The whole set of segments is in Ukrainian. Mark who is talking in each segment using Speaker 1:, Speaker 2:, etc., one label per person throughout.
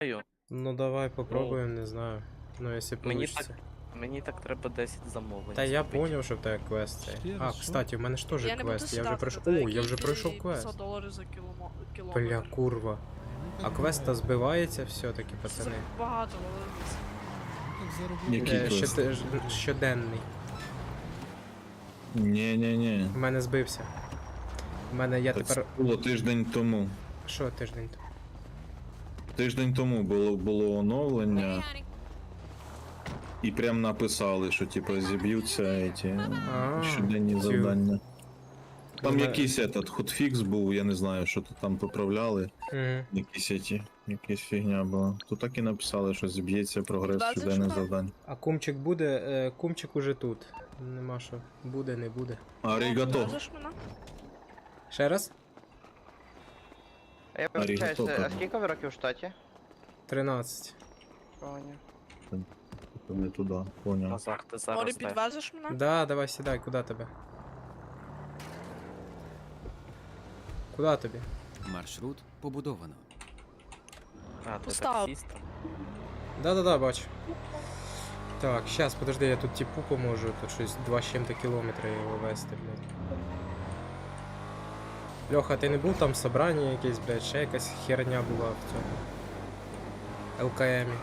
Speaker 1: Ну давай попробуємо, не знаю. Ну якщо
Speaker 2: Мені
Speaker 1: получится.
Speaker 2: Мені так треба 10 замовлень.
Speaker 1: Та я
Speaker 2: зробити.
Speaker 1: поняв, що в тебе квест цей.
Speaker 3: Ще
Speaker 1: А,
Speaker 3: раз, що?
Speaker 1: кстати, у мене ж теж
Speaker 4: Я не буду
Speaker 1: квест. Я вже
Speaker 4: сідати,
Speaker 1: пройшов.
Speaker 4: та
Speaker 1: О,
Speaker 4: який
Speaker 1: я вже
Speaker 4: ти
Speaker 1: пройшов
Speaker 4: 500
Speaker 1: квест.
Speaker 4: доларів за кілометр.
Speaker 1: Бля, курва. А квест-то збивається все-таки,
Speaker 4: Це
Speaker 1: пацани.
Speaker 4: багато, Валерій.
Speaker 3: Так зароблю.
Speaker 5: Який квест?
Speaker 1: Щоденний.
Speaker 5: Ні.
Speaker 1: У мене збився. У мене я
Speaker 5: Так
Speaker 1: тепер.
Speaker 5: це було тиждень тому.
Speaker 1: Що тиждень?
Speaker 5: Тиждень тому було оновлення. І прям написали, що типу зіб'ються ці
Speaker 1: А,
Speaker 5: щоденні
Speaker 1: цю.
Speaker 5: завдання. Там
Speaker 1: Мене-
Speaker 5: якийсь хотфікс був, я не знаю, що то там поправляли.
Speaker 1: Угу.
Speaker 5: Якась фігня була. То так і написали, що зіб'ється прогрес
Speaker 4: Да, це
Speaker 5: щоденних
Speaker 4: що?
Speaker 5: завдань.
Speaker 1: А кумчик буде? Кумчик уже тут. Нема що. Буде, не буде.
Speaker 5: Арігато.
Speaker 4: Можеш мене?
Speaker 1: Ще раз?
Speaker 6: Я вибачаюся,
Speaker 5: Арігато.
Speaker 6: а скільки ви років в штаті?
Speaker 1: 13.
Speaker 6: Поняв.
Speaker 5: Не туди, поняв.
Speaker 2: Назар, ти
Speaker 4: Морі,
Speaker 2: зараз де?
Speaker 4: підвезеш мене?
Speaker 1: Да, давай сідай, куди тебе? Куди тобі?
Speaker 3: Маршрут побудовано.
Speaker 2: А, ти
Speaker 4: Постав.
Speaker 2: таксіст?
Speaker 1: Да, бачу. Так, щас, подожди, я тут типу поможу, тут щось 2 з чим-то кілометри його вести, блядь. Льоха, ти не був там в собранні якесь, блядь, ще якась херня була в цьому ЛКМі.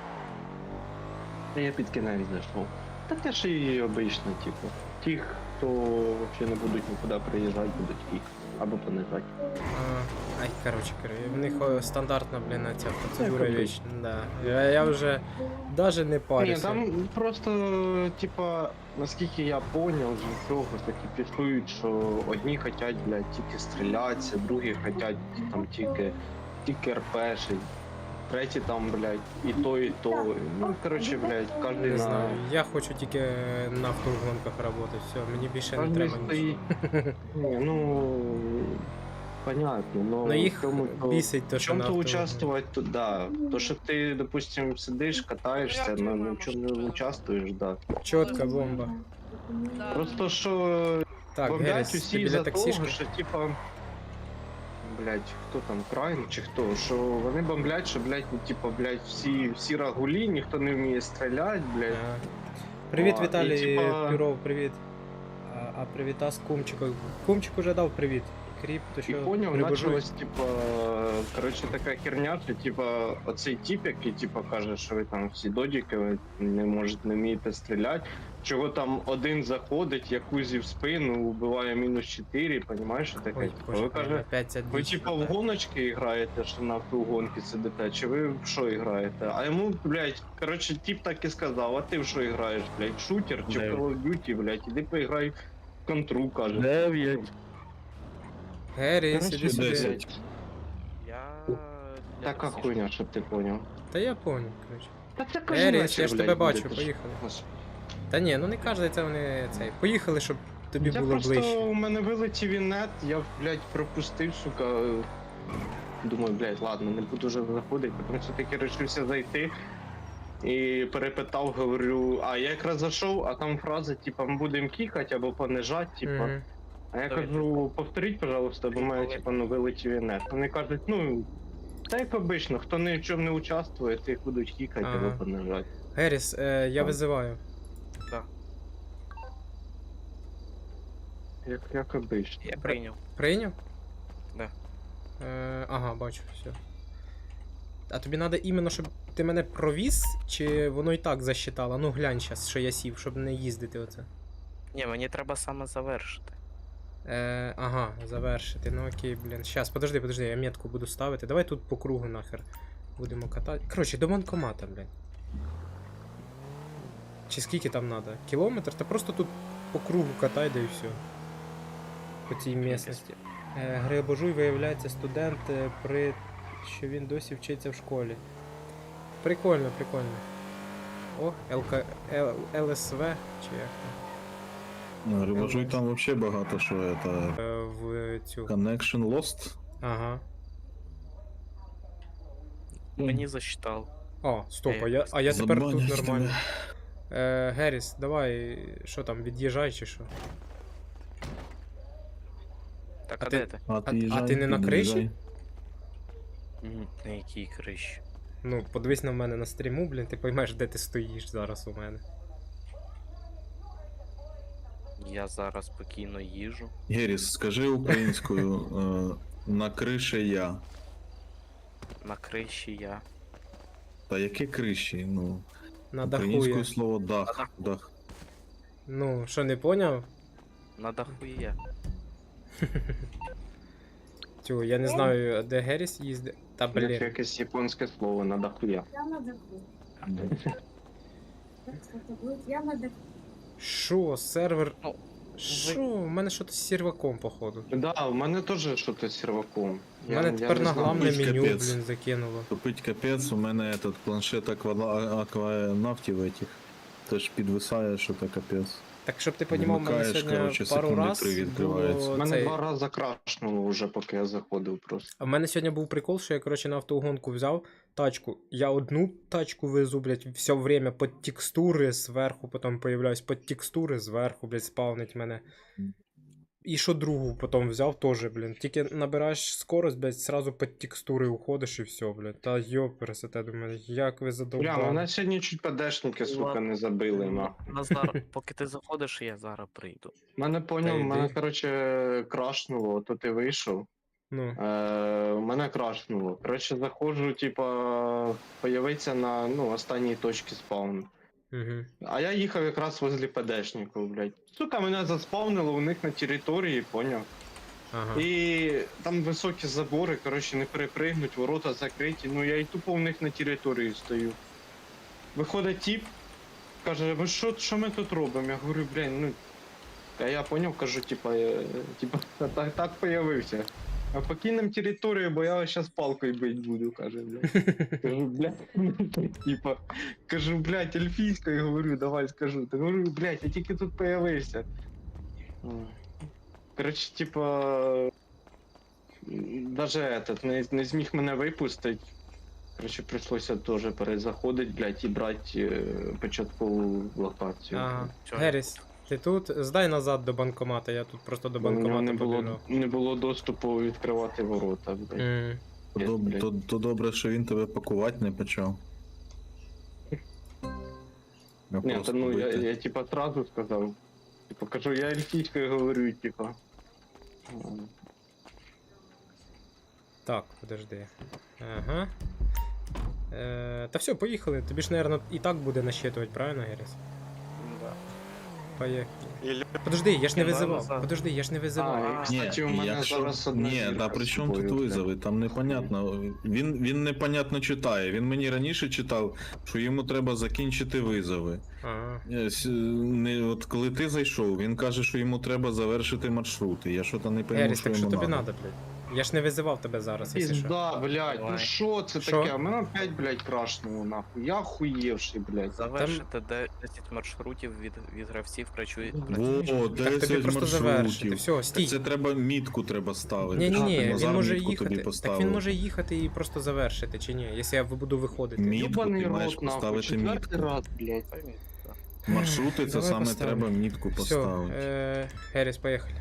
Speaker 7: Я під кінець знайшов. Та те ж і обично, типу. Ті, хто взагалі не будуть нікуди приїжджати, будуть їх або понижати.
Speaker 1: Ай, короче, в них стандартна, блін, ця процедура
Speaker 7: Як
Speaker 1: вічна, да. Я вже даже не
Speaker 7: Ні,
Speaker 1: парюся.
Speaker 7: там просто, типа, наскільки я поняв, з цього таки пішують, що одні хочуть, блядь, тільки стрілятися, другі хочуть там тільки РПшить. Треті там, блядь, і то, і то. Ну, коротше, блядь, кожен
Speaker 1: Не
Speaker 7: на...
Speaker 1: знаю, я хочу тільки на автогонках працювати, все, мені більше не
Speaker 7: Кожен
Speaker 1: треба
Speaker 7: стоїть.
Speaker 1: нічого.
Speaker 7: Ні, ну, понятно, но
Speaker 1: Ну їх
Speaker 7: в тому, то...
Speaker 1: бісить то,
Speaker 7: В
Speaker 1: що на
Speaker 7: чем-то
Speaker 1: автогонках.
Speaker 7: участвовать, то да. То, что ты, допустим, сидишь, катаешься, но ни в чем не участвуешь, да.
Speaker 1: Чотка бомба.
Speaker 4: Да.
Speaker 7: Просто що
Speaker 1: Так,
Speaker 7: бомблять
Speaker 1: Геріс, ти
Speaker 7: усі
Speaker 1: біля
Speaker 7: за
Speaker 1: таксішки?
Speaker 7: того, що типа. Блять, хто там, Крайн чи хто? Що вони бомблять, що, блять, ну, типа, блять, всі рагулі, ніхто не вміє стріляти, блять.
Speaker 1: Привіт,
Speaker 7: А, і,
Speaker 1: Віталій
Speaker 7: типа-
Speaker 1: Пюров, привіт. А привіта з Кумчиком. Кумчик уже дав привіт. Кріп, то
Speaker 7: І
Speaker 1: що
Speaker 7: поняв,
Speaker 1: прибужуй?
Speaker 7: почалась, типа, коротше, така херня, що, типа, оцей тип, який, типа, каже, що ви там всі додіки, ви не вмієте стріляти. Чого там один заходить, якузі в спину, вбиває -4, понімаєш, що таке?
Speaker 1: Ой,
Speaker 7: Типа,
Speaker 1: боже,
Speaker 7: ви каже,
Speaker 1: опять ця
Speaker 7: ви
Speaker 1: діч.
Speaker 7: типа в гоночки граєте, що на автогонки сидите, чи ви в що граєте? А йому, блядь, коротше, тип так і сказав, а ти в що граєш, блядь, шутер чи в Call of Duty, блядь, іди поіграй в контру, каже.
Speaker 5: 9.
Speaker 1: Геріс,
Speaker 7: Коротше,
Speaker 1: іди сюди.
Speaker 7: 10.
Speaker 2: Я...
Speaker 7: Така
Speaker 2: таксіст.
Speaker 7: хуйня, щоб ти поняв.
Speaker 1: Та я понял, короче.
Speaker 7: Та це кожен
Speaker 1: Геріс,
Speaker 7: вечір,
Speaker 1: я ж
Speaker 7: блядь,
Speaker 1: тебе
Speaker 7: буде,
Speaker 1: бачу,
Speaker 7: ти ж.
Speaker 1: поїхали.
Speaker 7: Господи.
Speaker 1: Та ні, ну не кожен це вони цей. Поїхали, щоб тобі
Speaker 7: Я
Speaker 1: було
Speaker 7: просто,
Speaker 1: ближче.
Speaker 7: у мене вилетів інет, я, блядь, пропустив, сука. Думаю, блядь, ладно, не буду вже заходити, тому що таки вирішився зайти. І перепитав, говорю, а я якраз зайшов, а там фраза, типа, ми будемо кікати або понижати, типа.
Speaker 1: Мгм.
Speaker 7: А я
Speaker 2: Давай,
Speaker 7: кажу, повторіть, пожалуйста, бо в мене, типа, ну, вилетів інет. Вони кажуть, ну, та як обично, хто ні в чому не участвує, тих будуть кікати
Speaker 1: Ага.
Speaker 7: або понижати.
Speaker 1: Геріс, я
Speaker 7: Так.
Speaker 1: визиваю.
Speaker 7: Як обично.
Speaker 2: Я прийняв.
Speaker 1: Прийняв?
Speaker 2: Да.
Speaker 1: Ага, бачу, все. А тобі треба іменно, щоб ти мене провіз, чи воно і так засчитало? Ну глянь щас, що я сів, щоб не їздити оце.
Speaker 2: Ні, мені треба саме завершити.
Speaker 1: Ага, завершити. Ну окей, блін. Щас, подожди, я метку буду ставити. Давай тут по кругу нахер будемо катати. Коротше, до банкомата, блін. Чи скільки там треба? Кілометр? Та просто тут по кругу катай, да і все. По цій місцевості. Грибожуй виявляється студент, що він досі вчиться в школі. Прикольно. О, ЛСВ, чи як там?
Speaker 5: Рибажуй там вообще багато що это.
Speaker 1: В цю.
Speaker 5: Connection Lost.
Speaker 1: Ага.
Speaker 2: Мені засчитав.
Speaker 1: О, стоп, а я тепер тут
Speaker 5: Забанять
Speaker 1: нормально. Геріс, давай, що там, від'їжджай чи що?
Speaker 2: Так,
Speaker 1: А
Speaker 2: а
Speaker 1: ти-
Speaker 2: де ти?
Speaker 5: А ти,
Speaker 1: а ти не на криші?
Speaker 2: На якій криші?
Speaker 1: Ну, подивись на мене на стріму, блін, ти поймеш, де ти стоїш зараз у мене.
Speaker 2: Я зараз спокійно їжу.
Speaker 5: Геріс, скажи українською на криші я.
Speaker 2: На криші я.
Speaker 5: Та яке криші? Ну,
Speaker 1: На даху
Speaker 5: українською
Speaker 1: я.
Speaker 5: слово дах. Дах.
Speaker 1: Ну, що, не поняв?
Speaker 2: На даху я.
Speaker 1: Тю, я не знаю, де Геріс їздить. Та
Speaker 7: Як
Speaker 1: блін.
Speaker 7: якесь японське слово на дахуя.
Speaker 8: Я на даху. Кстати, будет я на даху.
Speaker 1: Що, сервер.
Speaker 2: Ну,
Speaker 1: Що? У мене щось з серваком, походу.
Speaker 7: Да, у мене теж щось з серваком.
Speaker 1: У мене тепер на главне
Speaker 5: Капець,
Speaker 1: меню,
Speaker 5: капець.
Speaker 1: блін, закинуло.
Speaker 5: Тупить капець, у мене этот планшет акванавтів этих. Теж підвисає, що то капець.
Speaker 1: Так, щоб ти понімав, у мене
Speaker 5: Вмикаєш,
Speaker 1: сьогодні
Speaker 5: коротше,
Speaker 1: пару
Speaker 5: секунди
Speaker 1: раз
Speaker 5: 3 відкривається.
Speaker 1: було
Speaker 7: У мене
Speaker 1: цей...
Speaker 7: 2 рази крашнуло вже, поки я заходив просто.
Speaker 1: А в мене сьогодні був прикол, що я, коротше, на автогонку взяв тачку. Я одну тачку везу, блядь, все время под текстури зверху, потім появляюсь под текстури зверху, блядь, спавнить мене. І що другу потім взяв теж, блін. Тільки набираєш скорость, блядь, сразу под текстури уходиш і все, блядь. Та йопересете, думаю, як ви
Speaker 7: Бля,
Speaker 1: задовбали.
Speaker 7: мене сьогодні чуть ПДшники, сука,
Speaker 2: Ладно.
Speaker 7: не забили, нахуй.
Speaker 2: Назар, поки ти заходиш, я зараз прийду.
Speaker 7: Мене поняв,
Speaker 1: Та
Speaker 7: мене,
Speaker 1: йди.
Speaker 7: короче, крашнуло, то ти вийшов.
Speaker 1: Ну,
Speaker 7: Мене крашнуло. Короче, заходжу, типа, появиться на, ну, останній точці спавну.
Speaker 1: угу.
Speaker 7: А я їхав якраз возле ПДшників, блядь. Сука, мене заспавнило у них на території, поняв?
Speaker 1: Ага.
Speaker 7: І там високі забори, коротше, не перепригнуть, ворота закриті. Ну я і тупо в них на території стою. Виходить тіп, каже, ви що ми тут робимо? Я говорю, блін, ну. А я поняв, кажу, типа, так появився. А покинем територію, бо я вас щас палкою бить буду, каже, блядь. Кажу, блядь, типа, кажу, блядь, ельфійською, говорю, давай скажу. Та говорю, блядь, я тільки тут появився. Короче, типа, даже этот не зміг мене випустити. Короче, прийшлося теж перезаходити, блядь, і брати початкову локацію.
Speaker 1: Ага.
Speaker 2: Чо?
Speaker 1: Геріс, ти тут? Здай назад до банкомата, я тут просто до
Speaker 7: Бо в нього
Speaker 1: банкомата побіжав.
Speaker 7: не було доступу відкривати ворота, блядь.
Speaker 5: То добре, що він тебе пакувати не почав.
Speaker 7: Ні,
Speaker 5: просто
Speaker 7: та ну
Speaker 5: бити.
Speaker 7: я типа сразу сказав. Типа кажу, я ельфійською говорю, типа.
Speaker 1: Так, подожди. Ага. Та все, поїхали. Тобі ж, наверное, і так буде насчитувати, правильно, Геріс?
Speaker 2: Да.
Speaker 1: Поїхали. Подожди, я ж не
Speaker 2: Я
Speaker 1: визивав.
Speaker 2: назад.
Speaker 1: Подожди, я ж не визивав.
Speaker 7: А, кстати, у мене зараз одна
Speaker 5: Ні,
Speaker 7: зірка
Speaker 5: да при
Speaker 7: з
Speaker 5: чому тут
Speaker 7: собою,
Speaker 5: визови? Там непонятно. Він непонятно читає. Він мені раніше читав, що йому треба закінчити визови.
Speaker 1: Ага.
Speaker 5: От коли ти зайшов, він каже, що йому треба завершити маршрути. Я що то не пойму,
Speaker 1: Геріс,
Speaker 5: що
Speaker 1: так що
Speaker 5: йому
Speaker 1: тобі
Speaker 5: надо.
Speaker 1: надо, блядь? Я ж не визивав тебе зараз, якщо що.
Speaker 7: Пізда, блядь, ну
Speaker 2: Давай.
Speaker 7: що це
Speaker 1: Що?
Speaker 7: таке? Мене опять, блядь, крашнуло нахуй. Я охуєвший, блядь.
Speaker 2: Завершити 10 маршрутів від гравців працює.
Speaker 5: Во,
Speaker 1: Так
Speaker 5: 10
Speaker 1: тобі просто завершити.
Speaker 5: маршрутів.
Speaker 1: Все,
Speaker 5: Так
Speaker 1: стій.
Speaker 5: це треба мітку треба ставити.
Speaker 1: Ні-ні-ні,
Speaker 5: щоб
Speaker 1: він
Speaker 5: Назар
Speaker 1: може
Speaker 5: мітку тобі
Speaker 1: їхати. Так
Speaker 5: поставив.
Speaker 1: він може їхати і просто завершити, чи ні? Якщо я буду виходити.
Speaker 5: Мітку
Speaker 7: Ёбаний
Speaker 5: ти маєш
Speaker 7: рот, нахуй,
Speaker 5: поставити
Speaker 7: четвертий
Speaker 5: мітку.
Speaker 7: раз, блядь.
Speaker 5: Маршрути це
Speaker 1: Давай
Speaker 5: саме
Speaker 1: поставлю.
Speaker 5: треба мітку
Speaker 1: Все,
Speaker 5: поставити.
Speaker 1: Геріс, поїхали.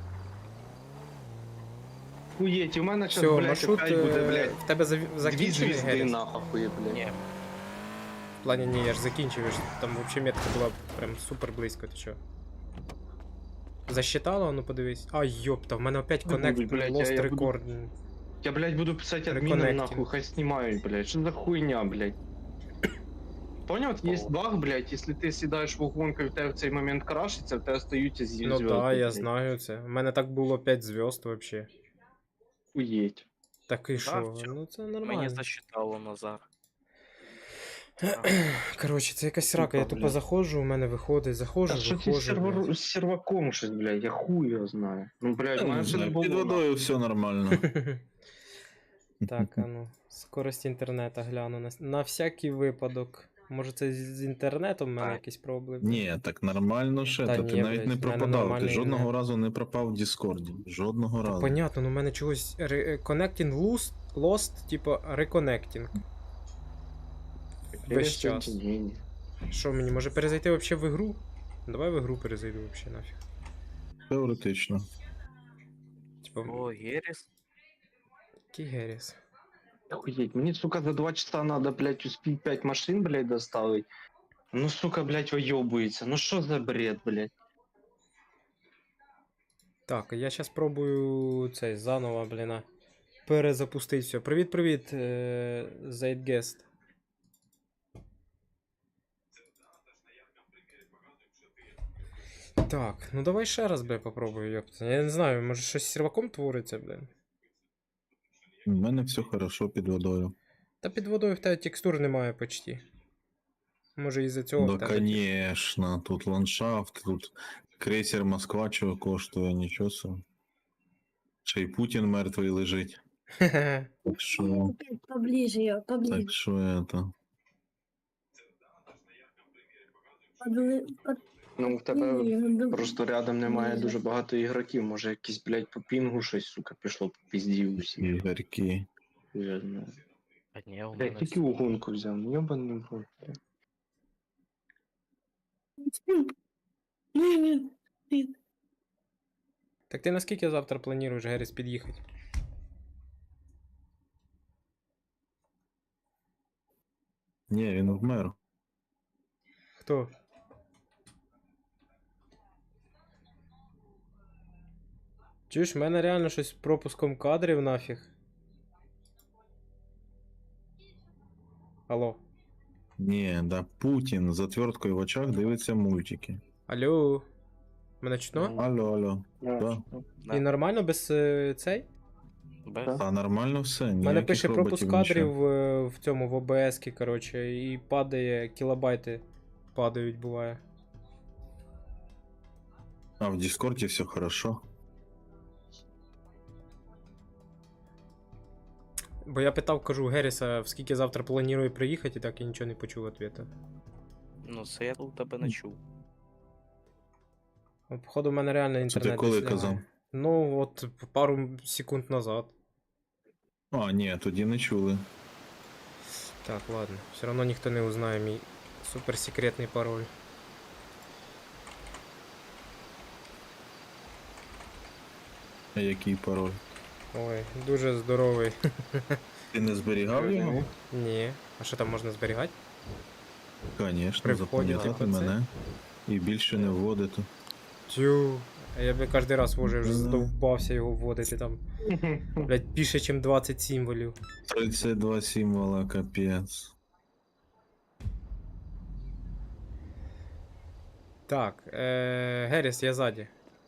Speaker 7: Хуєть, у мене
Speaker 1: Все,
Speaker 7: зараз, блядь,
Speaker 1: маршрут
Speaker 7: опять буде, блядь.
Speaker 1: в тебе
Speaker 7: Дві
Speaker 1: закінчений,
Speaker 7: звізди
Speaker 1: Геріс?
Speaker 7: нахуй, блядь.
Speaker 2: Ні,
Speaker 1: В плані, ні, я ж закінчив, там взагалі метка була прям супер близько, ти чо? Засчитало? Ну подивись. А, йопта, в мене опять
Speaker 7: Ну,
Speaker 1: коннект,
Speaker 7: блядь,
Speaker 1: lost
Speaker 7: я буду-
Speaker 1: record.
Speaker 7: Я, блядь, буду писать админам
Speaker 1: Reconnecting.
Speaker 7: нахуй, хай снимают, блядь. Что за хуйня, блядь? Понял, вот есть баг, блядь, если ты съедаешь в угонку и в тебе в цей момент крашится, в тебе остаются звезды.
Speaker 1: Ну да, я знаю це. У мене так було 5 зв'язд вообще.
Speaker 7: Хуеть.
Speaker 1: Так і що?
Speaker 2: всё.
Speaker 1: Ну це
Speaker 2: мені
Speaker 1: нормально.
Speaker 2: засчитало Назар.
Speaker 1: Коротше, це якась срака, я
Speaker 7: Тупо,
Speaker 1: тупо
Speaker 7: блядь.
Speaker 1: заходжу, у мене виходить, заходжу,
Speaker 7: А что ты
Speaker 1: виходжу. блядь.
Speaker 7: с серваком щось, блядь, я хуй его знаю. Ну, блядь, у
Speaker 5: Не
Speaker 7: мене все не
Speaker 5: знаю,
Speaker 7: було.
Speaker 5: Під
Speaker 7: нахуй.
Speaker 5: водою все нормально.
Speaker 1: Так, а ну. Скорость інтернету гляну на всякий випадок. Може це з інтернетом в мене
Speaker 2: Так.
Speaker 1: якісь проблеми?
Speaker 5: Ні, так нормально ще.
Speaker 1: Та
Speaker 5: Та
Speaker 1: ні,
Speaker 5: ти навіть
Speaker 1: блядь,
Speaker 5: не
Speaker 1: в мене
Speaker 5: пропадав. Ти
Speaker 1: нормальний
Speaker 5: жодного
Speaker 1: інтернет.
Speaker 5: разу не пропав в Діскорді. Жодного разу.
Speaker 1: Понятно, ну в мене чогось connecting lost, типа reconnecting. Весь час.
Speaker 7: Соединение.
Speaker 1: Що мені, може перезайти вообще в ігру? Давай в ігру перезайду вообще нафіг.
Speaker 5: Теоретично.
Speaker 1: Типа,
Speaker 2: О, Геріс.
Speaker 1: який Геріс?
Speaker 7: Охуеть, мені, сука, за 2 часа надо, блядь, успеть 5 машин, блядь, доставить. Ну, сука, блядь, уёбывается. Ну что за бред, блядь?
Speaker 1: Так, я зараз пробую цей заново, бліна. Перезапустити все. Привіт, Zeitgeist. Так, ну давай ще раз, бля, попробую, ёпта. Я не знаю, може щось з серваком твориться, блін.
Speaker 5: У мене все хорошо під водою.
Speaker 1: Та під водою в тебе текстур немає почти. Може із-за цього в
Speaker 5: Да,
Speaker 1: тебе.
Speaker 5: конечно, тут ландшафт, тут крейсер Москва чого коштує, нічого собі. Ще й Путін мертвий лежить.
Speaker 1: Хе-хе.
Speaker 5: Так що,
Speaker 8: Поближе ее, поближе.
Speaker 5: так що это.
Speaker 7: Ну, в тебе просто рядом немає дуже багато ігроків. Може якийсь, блядь, по пінгу щось, сука, пішло по пізді усі.
Speaker 5: Ігорки.
Speaker 7: Я знаю.
Speaker 2: А ні, у
Speaker 7: Блядь,
Speaker 2: мене
Speaker 7: тільки угонку взяв, йобаний в рот.
Speaker 1: Так ти наскільки завтра плануєш, Геріс, під'їхати?
Speaker 5: Ні, він вмер.
Speaker 1: Хто? Чуєш, в мене реально щось з пропуском кадрів нафіг. Алло.
Speaker 5: Ні, да Путін з отверткою в очах дивиться мультики.
Speaker 1: Алло. Мене чутно?
Speaker 5: Алло, алло. Да.
Speaker 2: Да.
Speaker 1: І нормально без цей?
Speaker 2: без.
Speaker 5: А нормально все.
Speaker 1: У мене
Speaker 5: ніяких
Speaker 1: пише пропуск
Speaker 5: роботів,
Speaker 1: кадрів
Speaker 5: нічого.
Speaker 1: в цьому, в ОБС, коротше, і падає, кілобайти падають, буває.
Speaker 5: А в Дискорді все хорошо.
Speaker 1: Бо я питав, кажу, Геріса, в скільки завтра планує приїхати, і так я нічого не почув відповіді.
Speaker 2: Ну, це я тут тебе не чув.
Speaker 1: Походу, в мене реально
Speaker 5: Це
Speaker 1: інтернет.
Speaker 5: ти коли
Speaker 1: десь
Speaker 5: казав?
Speaker 1: лягає. Ну, от пару секунд назад.
Speaker 5: А, ні, тоді не чули.
Speaker 1: Так, ладно. Все одно ніхто не узнає мій суперсекретний пароль.
Speaker 5: А який пароль?
Speaker 1: Ой, дуже здоровий.
Speaker 5: Ти не зберігав його?
Speaker 1: Ні. А що там можна зберігати?
Speaker 5: Звісно,
Speaker 1: При вході,
Speaker 5: запам'ятати
Speaker 1: типу, це?
Speaker 5: мене. І більше не вводити.
Speaker 1: Тю. А я би кожен раз вже
Speaker 5: Да.
Speaker 1: задовбався його вводити там. Блять, більше, ніж 20 символів.
Speaker 5: 32 символа, капець.
Speaker 1: Так, Геріс, я ззаді.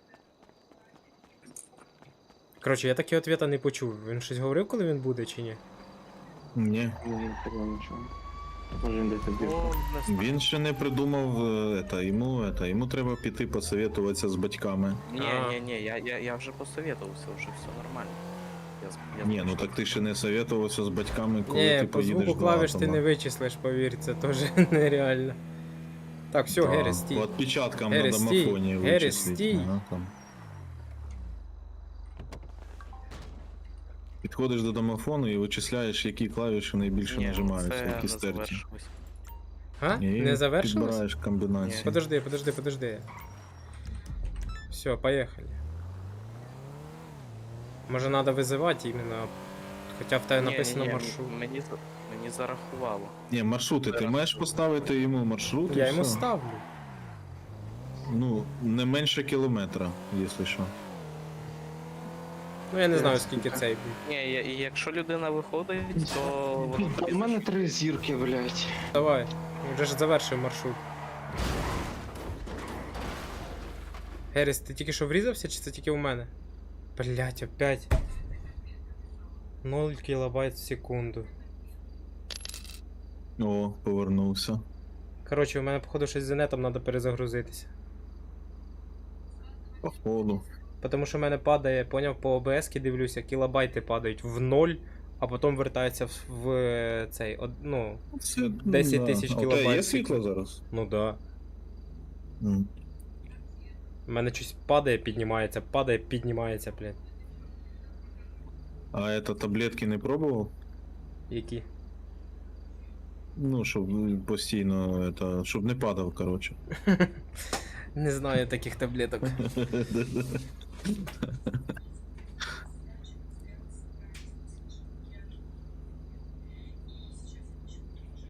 Speaker 1: Коротше, я таки ответа не почув. Він щось говорив, коли він буде, чи ні?
Speaker 5: Ні.
Speaker 7: Ні, такого нічого. Може він десь тобі.
Speaker 2: О, не знаю.
Speaker 5: Він ще не придумав йому треба піти посоветуватися з батьками.
Speaker 2: Ні, я вже посоветувався, вже все нормально.
Speaker 5: Ні, ну так ти ще не советувався з батьками, коли
Speaker 1: Ні,
Speaker 5: ти
Speaker 1: по
Speaker 5: поїдеш
Speaker 1: звуку
Speaker 5: до
Speaker 1: клавіш ти
Speaker 5: атома.
Speaker 1: не вичислиш, повір, це теж нереально. Так, все,
Speaker 5: Да,
Speaker 1: Геріс, стій.
Speaker 5: По відпечаткам
Speaker 1: Геріс,
Speaker 5: на
Speaker 1: стій.
Speaker 5: домофоні
Speaker 1: Геріс,
Speaker 5: вичисліть.
Speaker 1: стій.
Speaker 5: Ага, там. Підходиш до домофону і вичисляєш, які клавіші найбільше
Speaker 2: Ні,
Speaker 5: нажимаються,
Speaker 2: це
Speaker 5: які
Speaker 2: не
Speaker 5: стерті.
Speaker 2: завершилось.
Speaker 1: А?
Speaker 5: І
Speaker 1: Не завершилось?
Speaker 5: підбираєш комбінації.
Speaker 1: Подожди. Все, поехали. Може надо визивати іменно. Хоча в тебе написано
Speaker 2: Ні,
Speaker 1: маршрут.
Speaker 2: Мені зарахувало.
Speaker 5: Ні, маршрути, ти маєш поставити йому маршрут і
Speaker 1: Я йому
Speaker 5: все.
Speaker 1: ставлю.
Speaker 5: Ну, не менше кілометра, якщо що.
Speaker 1: Ну я не знаю скільки цей.
Speaker 2: Ні, і якщо людина виходить, то воно тобі
Speaker 7: У мене 3 зірки, блядь.
Speaker 1: Давай. Вже ж завершив маршрут. Геріс, ти тільки що врізався, чи це тільки у мене? Блять, опять. 0 кілобайт в секунду.
Speaker 5: О, повернувся.
Speaker 1: Коротше, у мене, походу, щось з інетом треба перезагрузитися.
Speaker 5: Походу.
Speaker 1: Тому що в мене падає, поняв, по ОБС-ки дивлюся, кілобайти падають в 0, а потім вертаються в цей, ну,
Speaker 5: Це,
Speaker 1: 10 тисяч
Speaker 5: А у тебе
Speaker 1: кілобайт
Speaker 5: є
Speaker 1: в
Speaker 5: світло
Speaker 1: секунду.
Speaker 5: зараз?
Speaker 1: Ну да.
Speaker 5: М.
Speaker 1: У мене щось падає, піднімається, блядь.
Speaker 5: А это таблетки не пробував?
Speaker 1: Які?
Speaker 5: Ну, щоб постійно, щоб не падав, коротше.
Speaker 1: Не знаю таких таблеток.